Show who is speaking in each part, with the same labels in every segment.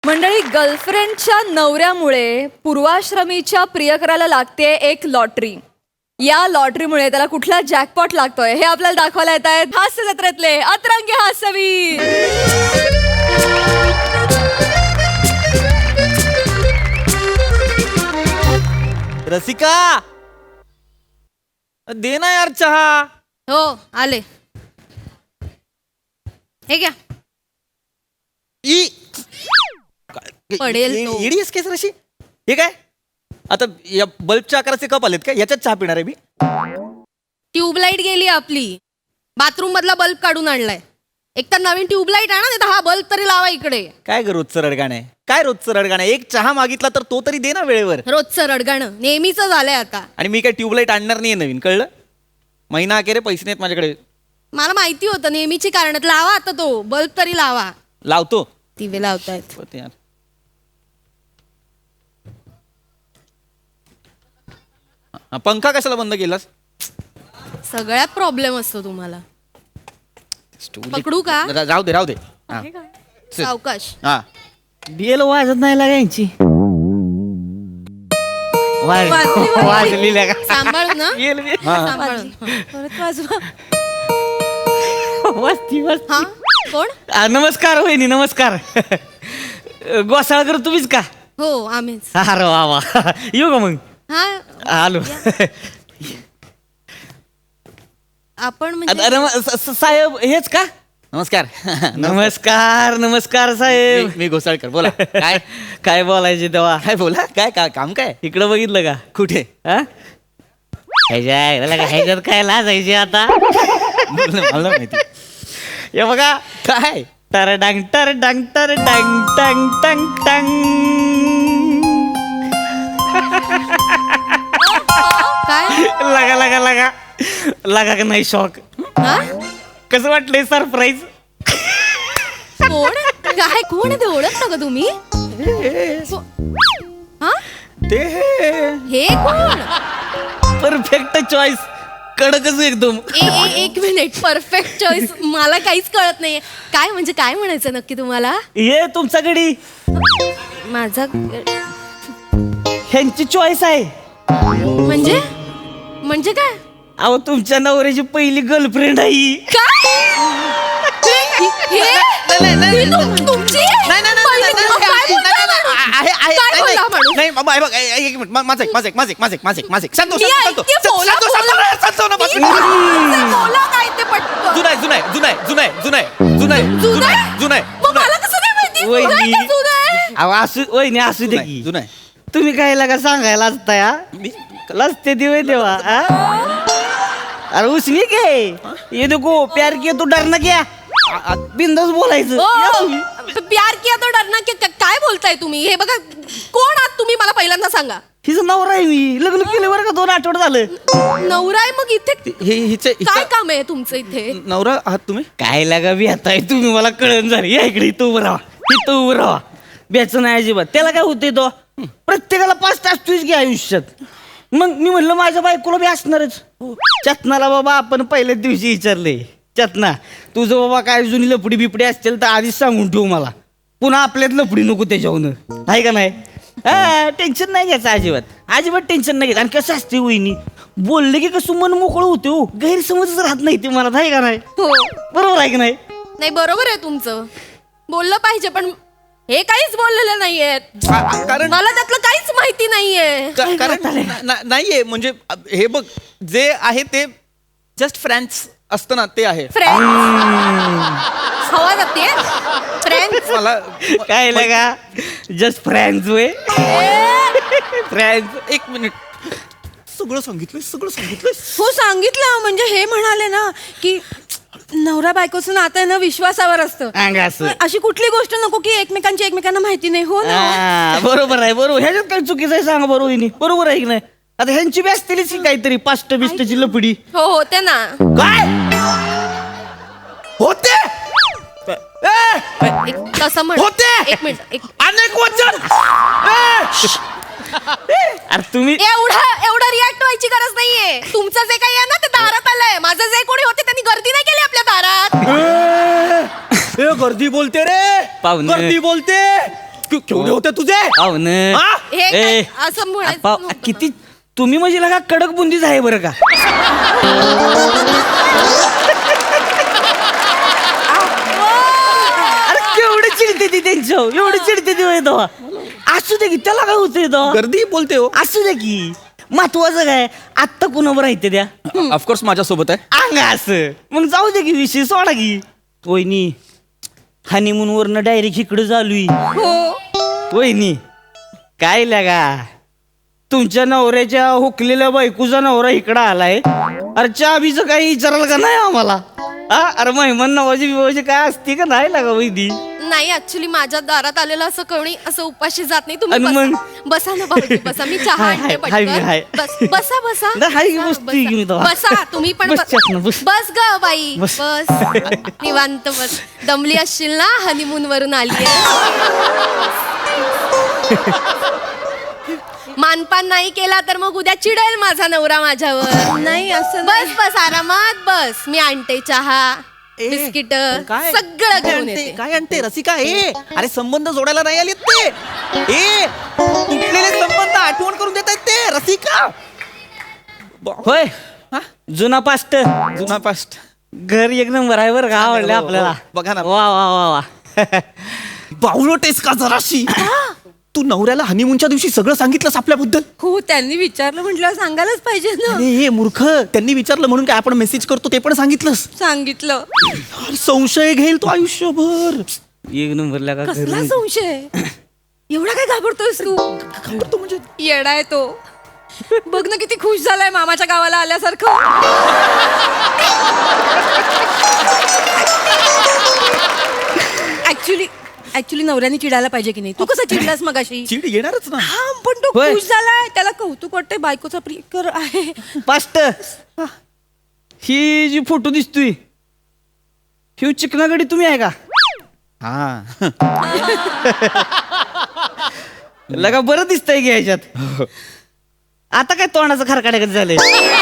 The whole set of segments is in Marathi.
Speaker 1: मंडळी, गर्लफ्रेंडच्या नवऱ्यामुळे पूर्वाश्रमीच्या प्रियकराला लागते एक लॉटरी. या लॉटरीमुळे त्याला कुठला जॅकपॉट लागतोय हे आपल्याला दाखवायला येत आहेत हास्य जत्रेतले अतरंगी हास्यवीर.
Speaker 2: रसिका, दे ना यार चहा.
Speaker 3: हो आले. हे घ्या. पडेल तो.
Speaker 2: इडीएस केस रशी. हे काय आता या बल्बच्या आकाराचे कप आलेत का? याच्यात चहा पिणार आहे मी.
Speaker 3: ट्यूबलाईट गेली आपली. बाथरूम मधला बल्ब काढून आणलाय. एक तर नवीन ट्यूबलाईट आणा, नाही तर हा बल्ब तरी लावा इकडे.
Speaker 2: काय ग रोजचं रडगाणं आहे? काय रोजचं रडगाणं आहे? एक चहा मागितला तर तो तरी दे ना वेळेवर.
Speaker 3: रोजचं रडगाणं नेहमीच झालंय आता.
Speaker 2: आणि मी काय ट्यूबलाईट आणणार नाहीये नवीन, कळलं? महिना अखेर पैसे नाहीत माझ्याकडे.
Speaker 3: मला माहिती होतं नेहमीची कारण. लावा आता तो बल्ब तरी लावा.
Speaker 2: लावतो.
Speaker 3: दिवे लावतायत.
Speaker 2: होते यार. पंखा कशाला बंद केलास?
Speaker 3: सगळ्यात प्रॉब्लेम असतो तुम्हाला. पकडू का?
Speaker 2: राहू दे राहू दे. हा.
Speaker 3: सावकाश.
Speaker 2: हा.
Speaker 4: बेल वाजत नाही लागायची. वाजली लागा.
Speaker 3: सांभाळू ना.
Speaker 2: हा.
Speaker 3: सांभाळून.
Speaker 1: परत वाजवा.
Speaker 4: वस्ती वस्ती.
Speaker 3: हा कोण?
Speaker 4: नमस्कार वहिनी, नमस्कार. गोसाळकर तुम्हीच का?
Speaker 3: हो आम्हीच.
Speaker 4: अरे वा वा. येऊ का मग?
Speaker 3: हा
Speaker 4: आलो.
Speaker 3: आपण म्हणजे
Speaker 4: साहेब हेच का?
Speaker 2: नमस्कार.
Speaker 4: नमस्कार नमस्कार साहेब.
Speaker 2: मी घोसाळकर. बोला. काय
Speaker 4: काय बोलायचे तेव्हा?
Speaker 2: काय बोला? काय काम काय?
Speaker 4: इकडं बघितलं का?
Speaker 2: कुठे?
Speaker 4: हा? ह्याच्यात काय लाजायचे आता?
Speaker 2: मला माहिती.
Speaker 4: हे बघा.
Speaker 2: काय?
Speaker 4: टर डांग टर डांग टर डांग टंग टंग टंग.
Speaker 3: काय?
Speaker 4: लगा लगा लगा लगा का नाही शॉक?
Speaker 3: हा?
Speaker 4: कसं वाटलंय सरप्राईज?
Speaker 3: कोण? काय कोण आहे ते? ओळखता का तुम्ही? हा?
Speaker 2: ते
Speaker 3: हे कोण?
Speaker 4: Perfect choice. कडकच एकदम.
Speaker 3: एक मिनिट. Perfect choice. मला काहीच कळत नाहीये. काय म्हणजे काय म्हणायचं नक्की तुम्हाला?
Speaker 4: ये तुमच्याकडे
Speaker 3: माझा
Speaker 4: ह्यांची चॉईस आहे.
Speaker 3: म्हणजे म्हणजे काय?
Speaker 4: अहो तुमच्या नवऱ्याची पहिली गर्लफ्रेंड आहे.
Speaker 3: काय? हे तुमची? काय बोलला माणूस?
Speaker 2: नाही बाबा, हे बघ, एक मिनिट. माझं संतोष.
Speaker 3: मी ऐकते. बोला, बोला काय ते पटकन.
Speaker 2: जुनाय.
Speaker 3: मग मला कसं नाही माहिती?
Speaker 4: वहिनी.
Speaker 3: जुनं आहे का जुनं आहे?
Speaker 4: अहो असू वहिनी असू दे की.
Speaker 2: जुनाय.
Speaker 4: तुम्ही काय लागा सांगायला असता या? लसते दिवे देवा. अरे उसनी के ये देखो प्यार किया तो डरना क्या? बिंदास बोलायचं.
Speaker 3: ओ, प्यार किया तो डरना क्या? काय बोलताय तुम्ही? हे बघा, कोण आहात तुम्ही मला पहिल्यांदा सांगा.
Speaker 4: हिचं नवरा आहे मी. लग्न केलं बरं का 2 आठवडे झालं.
Speaker 3: नवरा आहे मग इथे
Speaker 2: हिचे
Speaker 3: काय काम आहे तुमचं इथे?
Speaker 2: नवरा आहात तुम्ही?
Speaker 4: काय लागा बेताय तुम्ही? मला कळण झालं. या इकडे इथं उभं राहा. इथं उभं राहा. बेचं नाही अजिबात. त्याला काय होतंय तो? प्रत्येकाला 5 तास तुझ घे आयुष्यात. मग मी म्हणलं माझ्या बायकोला बी असणारच. चतनाला बाबा आपण पहिल्याच दिवशी विचारले. चतना तुझं बाबा काय जुनी लफडी बिपडी असतील तर आधीच सांगून ठेवू मला. पुन्हा आपल्यात लफडी नको त्याच्याहून. आहे का नाही? हा टेन्शन नाही घ्यायचं अजिबात. अजिबात टेन्शन नाही घ्यायचं. आणि कसं असते वहिनी, बोलले की कसं मन मोकळं होते हो. गैरसमजच राहत नाही ते मला. आहे का नाही?
Speaker 3: हो.
Speaker 4: बरोबर आहे की नाही?
Speaker 3: नाही बरोबर आहे तुमचं. बोललं पाहिजे पण हे काहीच बोललेलं नाहीयेत.
Speaker 2: कारण
Speaker 3: मला त्यातलं काहीच माहिती नाहीये.
Speaker 2: नाहीये म्हणजे हे बघ, जे आहे ते जस्ट फ्रेंड्स असतं ना, ते आहे.
Speaker 3: फ्रेंड्स हवा जाते. फ्रेंड्स
Speaker 2: मला
Speaker 4: काय लागा जस्ट फ्रेंड्स वे. फ्रेंड्स.
Speaker 2: एक मिनिट. सगळं सांगितलंय.
Speaker 1: हो सांगितलं. म्हणजे हे म्हणाले ना की नवरा बायकोचं नातं आहे ना विश्वासावर असतं.
Speaker 4: असं.
Speaker 1: अशी कुठली गोष्ट नको की एकमेकांना माहिती नाही. हो ना?
Speaker 4: बरोबर आहे. बरोबर. ह्याच्यात काही चुकीचं आहे सांगा बरोबर हिने. बरोबर आहे की नाही? आता ह्यांची बी असतीलच की काहीतरी पास्ट बिस्टची लपडी.
Speaker 3: हो होते ना.
Speaker 4: काय होते?
Speaker 3: तसं म्हण.
Speaker 4: होते.
Speaker 3: एक मिनिट.
Speaker 4: अनेक वचन. अरे तुम्ही
Speaker 3: एवढा रिॲक्ट व्हायची गरज नाहीये. तुमचं जे काही आहे ना ते दारात आलंय. माझं जे कोणी होते त्यांनी गर्दी नाही केली आपल्या दारात.
Speaker 2: गर्दी बोलते रे.
Speaker 4: पाहुणे.
Speaker 2: गर्दी बोलते. केवढे होते तुझे
Speaker 4: पाहुण
Speaker 2: हा?
Speaker 3: हे काय असं म्हणायचं नव्हतं.
Speaker 4: किती तुम्ही म्हणजे लगा कडक बुंदीच आहे बरं का. अरे केवढे चिडते ती त्यांच्यावर, एवढे चिडते ती तो. असू दे की त्याला काय होतंय तो.
Speaker 2: गर्दी बोलते हो
Speaker 4: असू दे की महत्वाचं काय आत्ता कुणावर आहे ते द्या
Speaker 2: ऑफकोर्स माझ्यासोबत आहे
Speaker 4: अंग असं मग जाऊ दे की विषय सोडा की. वहिनी हनीमून वरनं डायरेक्ट इकडे चालू वहिनी काय लगा तुमच्या नवऱ्याच्या हुकलेल्या बायकोचा नवरा इकडं आलाय. अरे चाबीचं काही विचाराल का नाही आम्हाला. हा अरे मेहमान नवाजी बिवाजी काय असते का नाही लागा वहिनी.
Speaker 3: नाही ऍक्च्युली माझ्या दारात आलेलं असं कोणी असं उपाशी जात नाही. तुम्ही
Speaker 4: आणि मग?
Speaker 3: बसा. बसा ना भाऊजी बसा. मी चहा
Speaker 4: हाय,
Speaker 3: आणते
Speaker 4: हाय, हाय, हाय.
Speaker 3: पटकन. बसा बसा
Speaker 4: नाही, हाय,
Speaker 3: बसा,
Speaker 4: बसतोय की मी
Speaker 3: बसा.
Speaker 4: तेव्हा.
Speaker 3: बसा तुम्ही पण
Speaker 4: बस चटणं, बस.
Speaker 3: बस ग बाई
Speaker 4: बस.
Speaker 3: बस निवांत बस. दमली असशील ना हनीमून वरून आली मानपान नाही केला तर मग उद्या चिडेल माझा नवरा माझ्यावर.
Speaker 1: नाही असं
Speaker 3: बस बस आरामात बस. मी आणते चहा बिस्किट
Speaker 2: काय
Speaker 3: सगळं घेऊन
Speaker 2: आणते?
Speaker 3: येते.
Speaker 2: काय आणते रसिका अरे संबंध जोडायला नाही आलेत ते तुटलेले संबंध आठवण करून देत आहेत ते रसिका
Speaker 4: होय
Speaker 2: हा?
Speaker 4: जुना पास्ट
Speaker 2: जुना पास्ट
Speaker 4: घर एक नंबर आहे बरं का आवडलं
Speaker 2: हो, हो.
Speaker 4: आपल्याला.
Speaker 2: बघा ना.
Speaker 4: वा वा वा वा
Speaker 2: बावळटेस का जराशी तू नवऱ्याला हनीमूनच्या दिवशी सगळं सांगितलंस आपल्याबद्दल
Speaker 1: हो त्यांनी विचारलं म्हटलं सांगायलाच पाहिजे ना.
Speaker 2: अरे हे मूर्ख त्यांनी विचारलं म्हणून काय आपण मेसेज करतो ते पण सांगितलंस
Speaker 1: सांगितलं.
Speaker 2: अरे, संशय घेईल तो आयुष्यभर
Speaker 4: एक नंबर लागा घर
Speaker 1: कसला संशय एवढा काय घाबरतोयस तू.
Speaker 2: घाबरतो म्हणजे
Speaker 1: येडाय तो. बघ ना किती खुश झालाय मामाच्या गावाला आल्यासारखं. ऍक्च्युली नवऱ्याने चिडायला पाहिजे की नाही. तू कसं चिडलास मगाशी.
Speaker 2: चिड येणारच ना
Speaker 1: हा पण तो
Speaker 4: होय.
Speaker 1: खुश झालाय त्याला कौतुक वाटतंय बायकोचा प्रियकर आहे.
Speaker 4: पास्ट ही जी फोटो दिसतोय ही चिकनागडी तुम्ही आहे का
Speaker 2: हा
Speaker 4: लगा बरं दिसतंय की ह्याच्यात. आता काय तोंडाचं खरकाड्याकडे झालंय.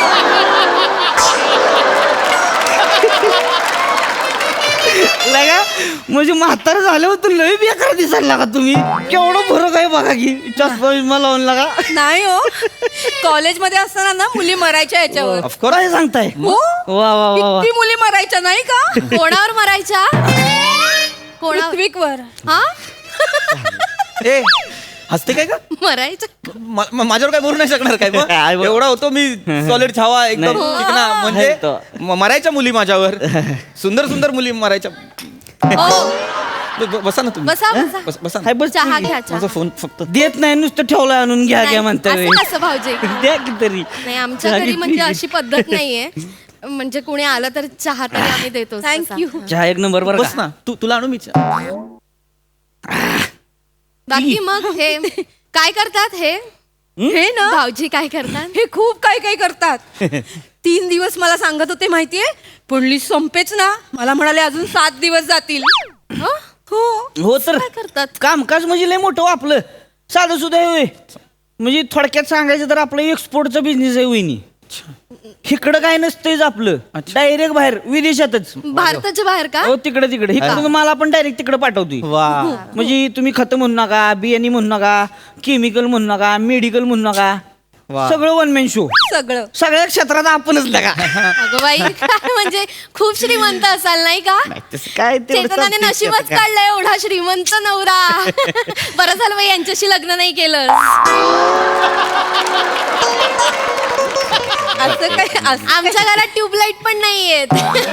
Speaker 4: लगा म्हणजे म्हातार झालं होतं लय बेकार दिसायला लागा तुम्ही. केवढं फरक आहे बघा की चष्मा बिस्मा लावून लागा.
Speaker 1: नाही हो कॉलेजमध्ये असताना ना मुली मरायच्या याच्यावर.
Speaker 2: ऑफकोर्स
Speaker 4: काय सांगताय
Speaker 1: हो
Speaker 4: वा वा वा वा
Speaker 1: किती मुली मरायच्या नाही का.
Speaker 3: कोणावर मरायच्या कोणावर
Speaker 1: पृथ्वीवर.
Speaker 3: हा
Speaker 2: ए हसते काय का
Speaker 3: मरायचं
Speaker 2: माझ्यावर काय बोलू नाही शकणार काय मग?
Speaker 4: काय बोल-
Speaker 2: एवढा होतो मी सॉलिड छावा एकदम
Speaker 4: नाही.
Speaker 2: चिकना
Speaker 4: आहे
Speaker 2: म्हणजे
Speaker 4: तो.
Speaker 2: मरायच्या मुली माझ्यावर सुंदर सुंदर मुली मरायच्या
Speaker 3: हो
Speaker 2: बसा ना तुम्ही
Speaker 3: बसा बसा
Speaker 2: बसा ना.
Speaker 4: हाय बस
Speaker 3: चहा घ्या चहा.
Speaker 2: माझा फोन फक्त
Speaker 4: देत नाही नुसतं ठेवलं आणून घ्या घ्या म्हणता
Speaker 3: नाही, असं कसं भाऊजी
Speaker 4: द्या की तरी
Speaker 3: नाही आमच्या
Speaker 4: चहा
Speaker 3: घरी म्हणजे
Speaker 4: घेतली.
Speaker 3: अशी पद्धत नाहीये. म्हणजे कोणी आलं तर चहा तरी आम्ही देतो.
Speaker 1: थँक्यू.
Speaker 4: चहा एक नंबर बरं
Speaker 2: बस
Speaker 4: का?
Speaker 2: ना तुला आणू मी चहा.
Speaker 3: बाकी मग हे काय करतात हे
Speaker 1: हे ना
Speaker 3: भाऊजी काय करतात.
Speaker 1: हे खूप काय काय करतात. 3 दिवस मला सांगत होते माहितीये पण लिस्ट संपेच ना. मला म्हणाले अजून 7 दिवस जातील.
Speaker 3: हं?
Speaker 1: हो
Speaker 4: हो तर
Speaker 3: काय करतात
Speaker 4: कामकाज म्हणजे लय मोठं हो आपलं साधं सुद्धा आहे होय. म्हणजे थोडक्यात सांगायचं तर आपलं एक्सपोर्टचा बिझनेस आहे वहिनी. इकडं काय नसतंच आपलं डायरेक्ट बाहेर विदेशातच.
Speaker 3: भारताच्या बाहेर का
Speaker 4: हो तिकडे तिकडे इकडून मला पण डायरेक्ट तिकडे पाठवतोय.
Speaker 2: वा
Speaker 4: म्हणजे तुम्ही खत म्हणू नका बियाणी म्हणू नका केमिकल म्हणू नका मेडिकल म्हणू नका
Speaker 2: वा.
Speaker 4: सगळं वन मॅन शो.
Speaker 1: सगळं
Speaker 4: सगळ्या क्षेत्रात आपणच लगा.
Speaker 3: अगं बाई काय म्हणजे खूप श्रीमंत असाल नाही का.
Speaker 4: तसं काय तेवढं
Speaker 3: चेतनाने
Speaker 4: चालतंय
Speaker 3: नशीबच
Speaker 4: आता काय.
Speaker 3: काढलंय एवढा श्रीमंत नवरा. बरं झालं बाई यांच्याशी लग्न नाही केलं.
Speaker 1: असं काय असं
Speaker 3: आमच्या घरात ट्यूबलाईट पण नाहीयेत.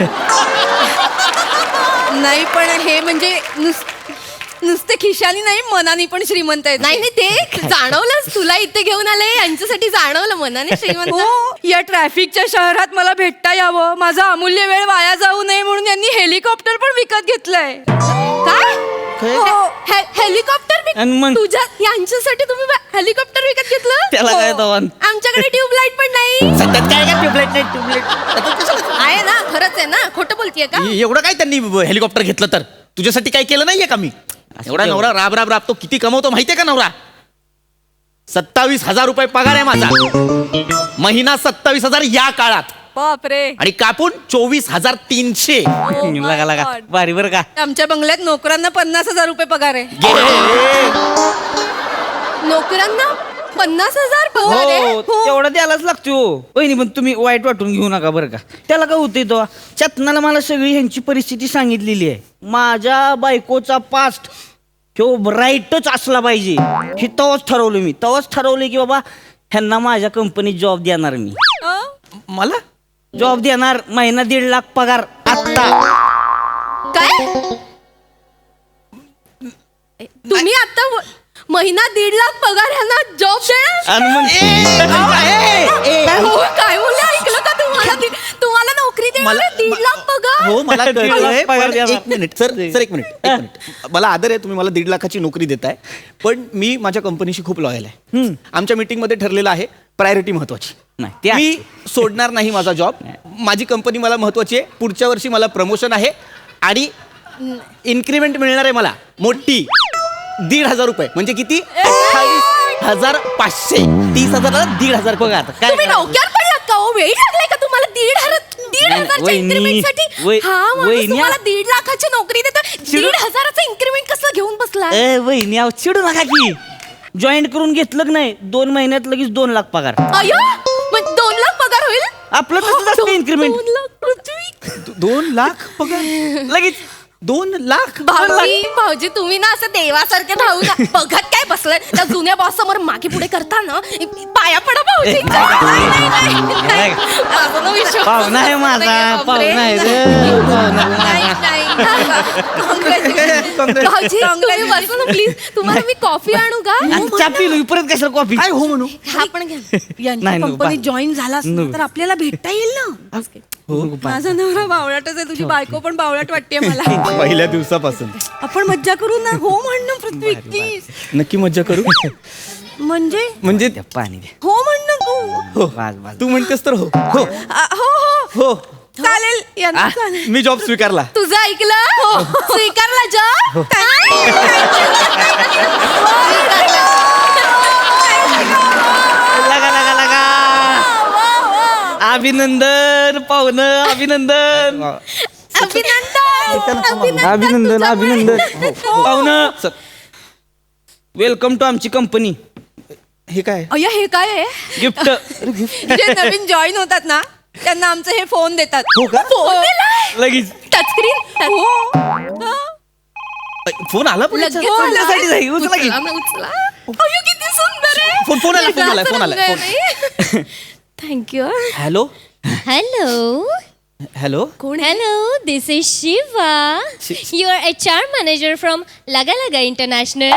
Speaker 1: नाही पण हे म्हणजे नुसते खिशानी नाही मनानी पण श्रीमंत आहेत.
Speaker 3: नाही नाही ते जाणवलंच तुला इथे घेऊन आले यांच्यासाठी जाणवलं मनाने श्रीमंत.
Speaker 1: हो या ट्रॅफिकच्या शहरात मला भेटता यावं माझा अमूल्य वेळ वाया जाऊ नये म्हणून यांनी हेलिकॉप्टर पण विकत घेतलंय.
Speaker 3: काय
Speaker 1: हो.
Speaker 3: हेलिकॉप्टर
Speaker 4: आणि मग?
Speaker 3: तुझ्या यांच्यासाठी तुम्ही हेलिकॉप्टर विकत घेतलं.
Speaker 4: त्याला काय
Speaker 3: हो.
Speaker 4: तवान?
Speaker 3: आमच्याकडे ट्यूबलाईट पण नाही.
Speaker 4: सध्यात काय का ट्यूबलाईट नाही ट्यूबलाईट.
Speaker 3: आहे ना खरंच आहे ना खोटं बोलतीये का.
Speaker 2: एवढं काय त्यांनी हेलिकॉप्टर घेतलं तर तुझ्यासाठी काय केलं नाहीये का मी. एवढा नवरा राब राब राबतो किती कमवतो माहितीये का नवरा. 27,000 रुपये पगार आहे माझा महिना. 27,000 या काळात
Speaker 1: बापरे.
Speaker 2: आणि कापून 24,300.
Speaker 1: Oh my
Speaker 4: लगा लगा
Speaker 1: God.
Speaker 4: भारी बरं का.
Speaker 3: आमच्या बंगल्यात नोकरांना 50,000 रुपये पगार आहे. नोकरांना 50,000 पगार आहे.
Speaker 4: हो तेवढा द्यायलाच लागतो. वहिनी पण तुम्ही वाईट वाटून घेऊ नका बरं का. त्याला काय होतंय तो चतनाला मला सगळी ह्यांची परिस्थिती सांगितलेली आहे. माझ्या बायकोचा पास्ट ह्यो राईटच असला पाहिजे हे तेव्हाच ठरवलं मी. तेव्हाच ठरवलं की बाबा ह्यांना माझ्या कंपनीत जॉब देणार मी.
Speaker 2: मला
Speaker 4: जॉब देणार. महिना 1.5 लाख पगार आत्ता.
Speaker 3: काय तुम्ही आता महिना 1.5 लाख पगार ह्यांना जॉब देणार?
Speaker 4: आणि मग
Speaker 3: काय हो, काय बोलले ऐकलं का तुम्हाला? तुम्हाला नोकरी देणार
Speaker 2: मला-
Speaker 3: 1.5 लाख पगार?
Speaker 2: हो मला
Speaker 4: दीड
Speaker 2: कळलंय,
Speaker 4: लाख पगार
Speaker 2: पण
Speaker 4: द्या
Speaker 2: एक मिनिट सर सर एक मिनिट मला आदर आहे, तुम्ही मला 1.5 लाखाची नोकरी देताय, पण मी माझ्या कंपनीशी खूप लॉयल आहे. आमच्या मीटिंग मध्ये ठरलेलं आहे प्रायोरिटी महत्वाची.
Speaker 4: नाही, ते
Speaker 2: मी सोडणार नाही माझा जॉब. माझी कंपनी मला महत्वाची आहे. पुढच्या वर्षी मला प्रमोशन आहे आणि इन्क्रीमेंट मिळणार आहे मला मोठी 1,500 रुपये. म्हणजे किती? 28,500. 30,000ला 1,500 पगार.
Speaker 4: काय
Speaker 3: तुम्ही डोक्यावर पडलात का हो? वेळ लागलाय का तुम्हाला 1,500च्या
Speaker 4: वहिनी,
Speaker 3: इन्क्रीमेंटसाठी? हा माणूस
Speaker 4: वहिनी,
Speaker 3: तुम्हाला 1.5 लाखाची नोकरी देतो, 1,500चं इन्क्रीमेंट कसं घेऊन बसला?
Speaker 4: वहिनी अहो चिडू नका की. जॉईन करून घेतलं की नाही 2 महिन्यात लगेच 2 लाख पगार.
Speaker 3: अयो मग 2 लाख पगार होईल?
Speaker 4: आपलं तसंच असतं इन्क्रीमेंट.
Speaker 3: 2 लाख पृथ्वी.
Speaker 2: 2 लाख पगार
Speaker 4: लगेच
Speaker 2: 2 लाख.
Speaker 3: भाऊजी तुम्ही ना असं देवासारखे भाऊ ना बघत काय बसलाय त्या जुन्या बॉस समोर मागे पुढे करता ना पाया पडा भाऊजी.
Speaker 4: पाहुणा आहे माझा. पाहुणा आहे रे.
Speaker 3: भाऊजी तुम्ही बसा ना प्लीज. तुम्हाला मी कॉफी आणू का?
Speaker 4: चहा पिलो परत कशाला कॉफी.
Speaker 2: काय हो म्हणू?
Speaker 3: हा पण घ्या. यांच्या
Speaker 4: नाही, नको,
Speaker 3: कंपनीत
Speaker 4: बा-
Speaker 3: जॉईन झाला असता
Speaker 4: नको.
Speaker 3: तर आपल्याला भेटता येईल ना. माझा नवरा बावळाटच आहे, तुझी बायको पण बावळाट वाटते मला.
Speaker 2: पहिल्या दिवसापासून
Speaker 3: आपण मज्जा करू ना. हो म्हणणं पृथ्वी प्लीज.
Speaker 2: नक्की मज्जा करू. म्हणजे
Speaker 4: द्या, पाणी द्या.
Speaker 3: हो म्हणणं तू.
Speaker 2: हो
Speaker 4: बस, बस.
Speaker 2: तू म्हणतेस तर हो हो
Speaker 3: हो हो
Speaker 2: हो.
Speaker 3: चालेल यांना चालेल.
Speaker 2: मी जॉब स्वीकारला.
Speaker 3: तुझं ऐकलं? हो स्वीकारला जॉब.
Speaker 4: लगा लगा लगा. अभिनंदन पाहुणं. अभिनंदन अभिनंदन अभिनंदन पाहुणं. वेलकम टू आमची कंपनी.
Speaker 2: हे काय?
Speaker 3: अय्या हे काय आहे?
Speaker 4: गिफ्ट.
Speaker 3: जे नवीन जॉईन होतात ना त्यांना आमचे हे फोन देतात.
Speaker 2: हो का?
Speaker 3: फोन दिलाय
Speaker 4: लगेच
Speaker 3: टचस्क्रीन.
Speaker 2: फोन आला पण
Speaker 3: लगेच
Speaker 4: उचलण्यासाठी जाई, उचला की.
Speaker 3: उचला ना, उचला. अय्यो, किती सुंदर आहे.
Speaker 2: फोन आला.
Speaker 3: थँक्यू.
Speaker 2: Hello
Speaker 5: Hello.
Speaker 2: हॅलो.
Speaker 3: कोण आहे?
Speaker 5: Hello, this is Shiva. You are HR manager from Laga Laga International.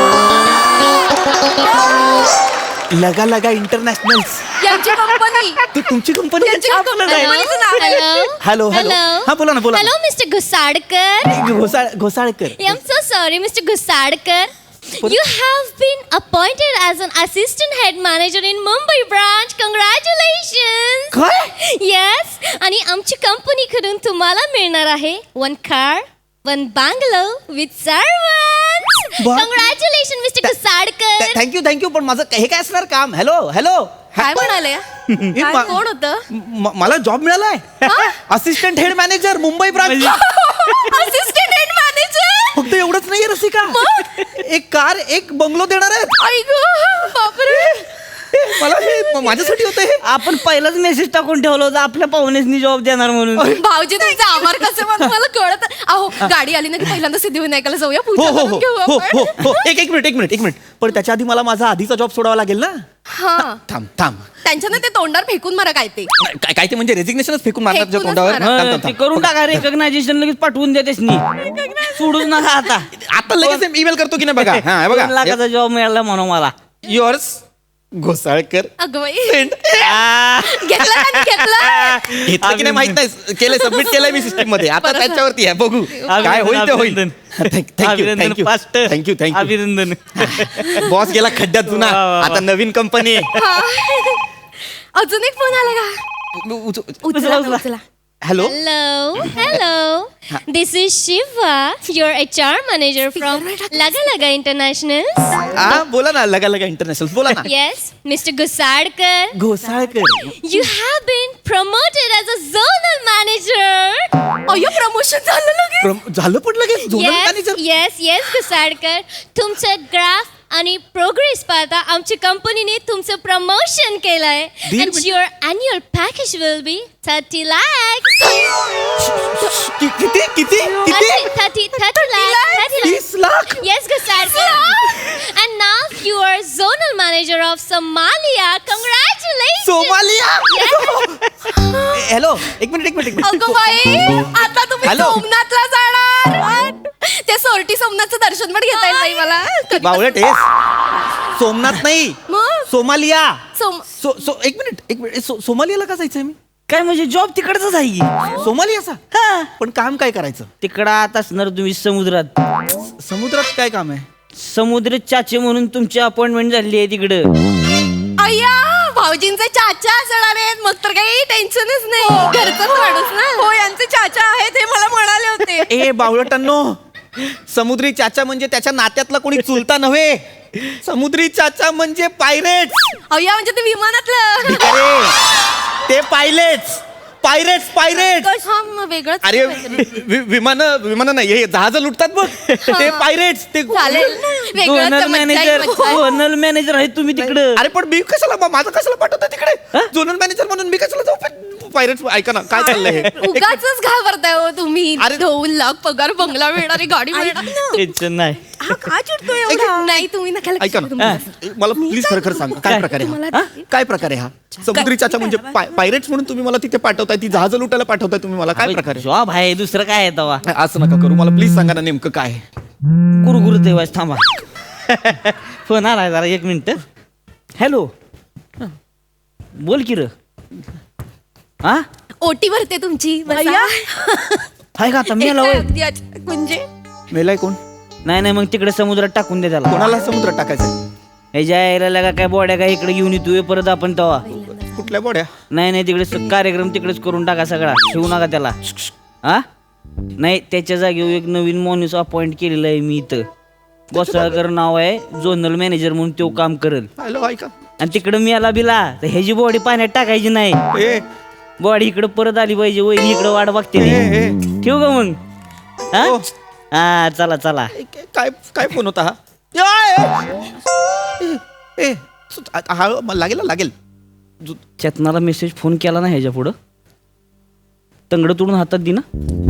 Speaker 2: लगा लगा इंटरनॅशनल.
Speaker 3: यांची कंपनी.
Speaker 2: तू तुमची कंपनी.
Speaker 3: यांची कंपनीचं नाव आहे.
Speaker 5: Hello.
Speaker 2: Hello hello. हा बोला ना बोला.
Speaker 5: Hello, Mr. Gusadkar.
Speaker 2: Ghosalkar.
Speaker 5: I'm so sorry, Mr. Gusadkar. You have been appointed as an assistant head manager in Mumbai branch. Congratulations.
Speaker 2: काय?
Speaker 5: Yes. आणि आमची कंपनीकडून तुम्हाला मिळणार आहे 1 car, 1 bungalow with servants.
Speaker 2: Wow.
Speaker 5: Congratulations, Mr. Gusadkar.
Speaker 2: Thank you पण माझं हे काय असणार काम? Hello hello.
Speaker 3: काय म्हणाले? काय
Speaker 2: मा-
Speaker 3: कोण होतं?
Speaker 2: मला जॉब मिळालाय. Assistant head manager Mumbai branch.
Speaker 3: Assistant head manager.
Speaker 2: फक्त एवढंच नाहीये रसिका. एक कार एक बंगलो देणार आहेत.
Speaker 3: आई गं, बापरे.
Speaker 2: मला हे माझ्यासाठी होतं हे.
Speaker 4: आपण पहिलाच मेसेज टाकून ठेवलं होतं आपल्या पाहुण्यासनी जॉब देणार म्हणून.
Speaker 3: भाऊजी तुमचा आभार कसं मानू मला कळत. अहो गाडी आली ना की पहिल्यांदा सिद्धिविनायकाला जाऊया,
Speaker 2: हो
Speaker 3: पूजा
Speaker 2: हो
Speaker 3: करून
Speaker 2: हो
Speaker 3: घेऊ
Speaker 2: हो
Speaker 3: आपण.
Speaker 2: हो हो. एक मिनिट पण त्याच्या आधी मला माझा आधीचा जॉब सोडावा लागेल ना.
Speaker 3: हा
Speaker 2: थांब.
Speaker 3: त्यांच्यानं ते तोंडावर फेकून मारा काय ते.
Speaker 2: काय ते म्हणजे रेजिग्नेशनच फेकून मारणार तुझ्या
Speaker 3: फेकूनच
Speaker 2: तोंडावर.
Speaker 3: मारा.
Speaker 2: थांब.
Speaker 4: ते करून टाका. रेकग्नायझेशन लगेच पाठवून द्या त्यासनी. सोडूच नका आता.
Speaker 2: आता लगेच ईमेल करतो की नाही बघा. हा
Speaker 4: 2
Speaker 2: बघा.
Speaker 4: लाखाचा जॉब मिळाला म्हणून मला.
Speaker 2: युअर्स घोसाळकर.
Speaker 3: अगं बाई.
Speaker 2: Send.
Speaker 3: घेतलं का? घेतलं.
Speaker 2: घेतलं की नाही माहित नाही. केलं सबमिट केलंय मी सिस्टीम मध्ये. आता
Speaker 3: बरं.
Speaker 2: त्याच्यावरती आहे बघू काय होईल ते होईल.
Speaker 4: अभिनंदन फास्ट.
Speaker 2: थँक्यू
Speaker 4: अभिनंदन.
Speaker 2: बॉस गेला खड्ड्यात जुना.
Speaker 4: वा, वा, वा.
Speaker 2: आता नवीन कंपनी.
Speaker 3: हा. अजून एक फोन आला का? उचला
Speaker 4: उचला.
Speaker 3: उचला.
Speaker 2: Hello
Speaker 5: Hello. This is Shiva, your HR manager from Laga Laga Internationals.
Speaker 2: हा बोला ना, लगा लगा इंटरनॅशनल बोला ना.
Speaker 5: Yes, Mr. Gusadkar.
Speaker 2: Ghosalkar.
Speaker 5: You have been promoted as a zonal manager.
Speaker 1: अय्यो प्रमोशन झालं लगेच.
Speaker 2: झालं पण लगेच झोनल मॅनेजर.
Speaker 5: Yes, Gusadkar. तुमचं ग्राफ आणि प्रोग्रेस पाहता आमच्या कंपनीने तुमचं प्रमोशन केलंय. And your annual package will be 30 lakhs.
Speaker 2: किती किती
Speaker 5: 30 lakhs.
Speaker 2: 30 lakh.
Speaker 5: Yes, Gusadkar. And now you are zonal manager of Somalia. Congratulations.
Speaker 2: Somalia. Hello एक मिनिट
Speaker 1: अगं बाई आता तुम्ही
Speaker 2: हॅलो.
Speaker 1: सोमनाथला जाणार. ते सोरटी सोमनाथचं दर्शन पण घेता येईल बाई मला.
Speaker 2: बावळट आहेस. सोमनाथ नाही,
Speaker 1: मग?
Speaker 2: सोमालिया.
Speaker 1: सोम
Speaker 2: एक मिनिट सोमालियाला का जायचंय मी?
Speaker 4: काय म्हणजे जॉब तिकडच आहे की
Speaker 2: सोमालियाचा.
Speaker 4: हा
Speaker 2: पण काम काय करायचं?
Speaker 4: तिकडं आत असणार तुम्ही समुद्रात.
Speaker 2: समुद्रात काय काम आहे?
Speaker 4: समुद्र चाचे म्हणून तुमची अपॉइंटमेंट झाली आहे तिकडं.
Speaker 1: अय्या भाऊजींचे चाचा असणार आहेत मग तर काही टेन्शनच नाही. घरचाच माणूस ना. हो यांचे चाचा आहेत हे मला म्हणाले होते.
Speaker 2: ए बावळटांनो, समुद्री चाचा म्हणजे त्याच्या नात्यातला कोणी चुलता नव्हे. समुद्री चाचा म्हणजे पायरेट्स.
Speaker 1: अय्या म्हणजे ते विमानातलं.
Speaker 2: अरे ते पायलेट्स पायरेट्स.
Speaker 1: हा, मग वेगळंच
Speaker 2: अरे
Speaker 1: काहीतरी.
Speaker 2: विमान नाही, हे जहाज लुटतात बघ ते पायरेट्स. ते
Speaker 1: चालेल ना. वेगळंच
Speaker 4: झोनल
Speaker 1: मज्जा आहे,
Speaker 4: मॅनेजर
Speaker 1: मज्जा आहे.
Speaker 4: झोनल मॅनेजर आहे तुम्ही तिकडं.
Speaker 2: अरे पण मी कशाला माझं कशाला पाठवतं तिकडे? झोनल मॅनेजर म्हणून मी कशाला जाऊ? पायरेट्स ऐका ना काय चाललंय हे.
Speaker 1: उगाचच घाबरताय हो तुम्ही.
Speaker 2: अरे.
Speaker 1: 2 लाख पगार, बंगला मिळणारी गाडी मिळणार.
Speaker 4: टेन्शन नाही.
Speaker 1: हा का चिडतोय एवढा? नाही तुम्ही नका लक्ष
Speaker 2: ऐका
Speaker 1: देऊ
Speaker 2: ना,
Speaker 1: तुम्ही.
Speaker 2: मला प्लीज खरं सांगा काय प्रकार आहे हा? काय प्रकार आहे हा? समुद्री चाचा म्हणजे पायरेट्स म्हणून तुम्ही मला तिथे पाठवताय, ती जहाज लुटायला पाठवताय तुम्ही मला. काय प्रकार आहे?
Speaker 4: जॉब आहे दुसरं काय आहे तवा.
Speaker 2: असं नका करू, मला प्लीज सांगा ना नेमकं काय आहे.
Speaker 4: कुरकुर देवाच थांबा. फोन आलाय जरा 1 मिनिट. हॅलो बोल की र. हा
Speaker 1: ओटी भरते तुमची.
Speaker 4: हाय का आता मेला होय?
Speaker 1: म्हणजे
Speaker 2: मेलाय कोण?
Speaker 4: नाही मग तिकडे समुद्रात टाकून दे त्याला.
Speaker 2: कोणाला समुद्रात टाकायचं?
Speaker 4: ह्याच्या यायला का काय बॉड्या काय इकडे घेऊन येतोय परत आपण तवा.
Speaker 2: कुठल्या बोड्या?
Speaker 4: नाही तिकडे कार्यक्रम तिकडेच करून टाका सगळा. ठेवू नका त्याला. हा नाही त्याच्या जागेवर एक नवीन माणूस अपॉइंट केलेला आहे मी इथं. गोसाळकर नाव आहे, झोनल मॅनेजर म्हणून तो काम करेल.
Speaker 2: हॅलो ऐका.
Speaker 4: आणि तिकडं मी आला बिला तर ह्याची बॉडी पाण्यात टाकायची नाही.
Speaker 2: ए
Speaker 4: बॉडी इकडं परत आली पाहिजे. वहिनी इकडं वाट बघते. ठेवू का मग? हा
Speaker 2: हो.
Speaker 4: हा चला
Speaker 2: काय काय फोन होता हा? ए हा लागेल.
Speaker 4: चेतनाला मेसेज फोन केला ना ह्याच्या पुढं तंगड तोडून हातात दि ना.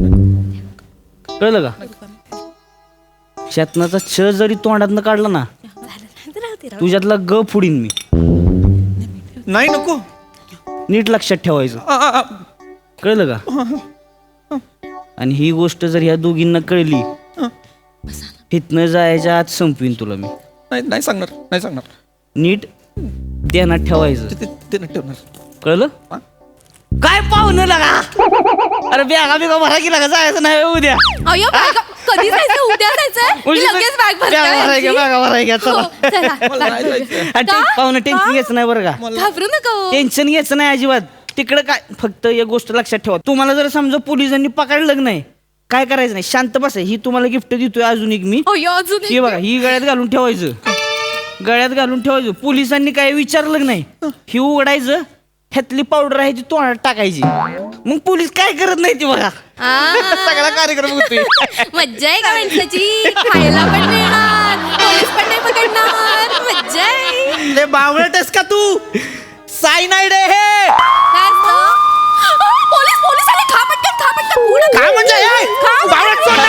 Speaker 4: कळलं का? चेतनाचा छ जरी तोंडातनं काढला ना तुझ्यातला ग फुडीन मी.
Speaker 2: नाही नको.
Speaker 4: नीट लक्षात ठेवायचं. कळलं का? आणि ही गोष्ट जर ह्या दोघींना कळली हितनं जायच्या आत संपवीन तुला मी.
Speaker 2: नाही सांगणार.
Speaker 4: नीट ध्यानात ठेवायचं.
Speaker 2: ते नाही ठेवणार.
Speaker 4: कळलं? काय पाहुणं लागा. अरे बिगा भरा की लागा जायचं नाही उद्या.
Speaker 1: अय्यो कधी जायचं? उद्या जायचं. लगेच बॅग भरते.
Speaker 4: चला.
Speaker 2: मला नाही जायचं.
Speaker 4: पाहुणं टेन्शन घ्यायचं नाही बरं का.
Speaker 1: घाबरू नका हो.
Speaker 4: टेन्शन घ्यायचं नाही अजिबात. तिकडं काय फक्त एक गोष्ट लक्षात ठेवा. तुम्हाला जर समजा पोलिसांनी पकडलं नाही काय करायचं नाही, शांत बसाय. ही तुम्हाला गिफ्ट देतोय अजून एक मी.
Speaker 1: अय्यो अजून
Speaker 4: ही बघा ही गळ्यात घालून ठेवायचं. पोलिसांनी काय विचारलं नाही ही उघडायचं. ह्यातली पावडर आहे ती तोंडात टाकायची. मग पोलीस काय करत नाही ती बघा.
Speaker 2: सगळा कार्यक्रम होतोय.
Speaker 1: मज्जा आहे का माणसाची. खायला पण मिळणार, पोलीस पण नाही पकडणार. मज्जा आहे.
Speaker 2: ले बावळटस का तू? सायनाइड आहे हे.
Speaker 1: काय असतं? पोलीस आले. खा पटकन पुढं
Speaker 2: काय म्हणजे हे? बावळट सोड.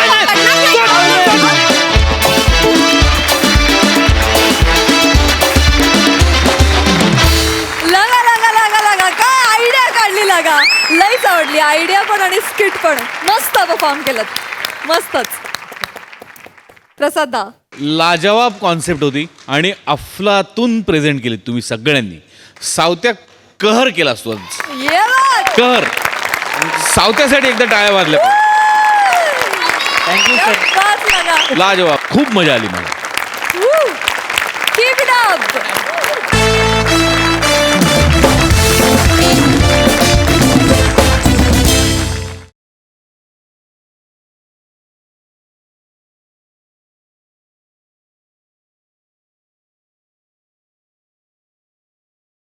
Speaker 1: लगा काय आयडिया काढली लागा. लईच आवडली आयडिया पण आणि स्किट पण. मस्त परफॉर्म केलं. मस्तच. प्रसादा
Speaker 6: लाजवाब कॉन्सेप्ट होती आणि अफलातून प्रेझेंट केली तुम्ही सगळ्यांनी. सावत्या कहर केला असतो.
Speaker 1: ये बात.
Speaker 6: कहर. सावत्यासाठी एकदा टाळ्या वाजल्या.
Speaker 4: Thank you sir.
Speaker 1: बात लगा.
Speaker 6: लाजवाब. खूप मजा आली मला.
Speaker 1: Keep it up.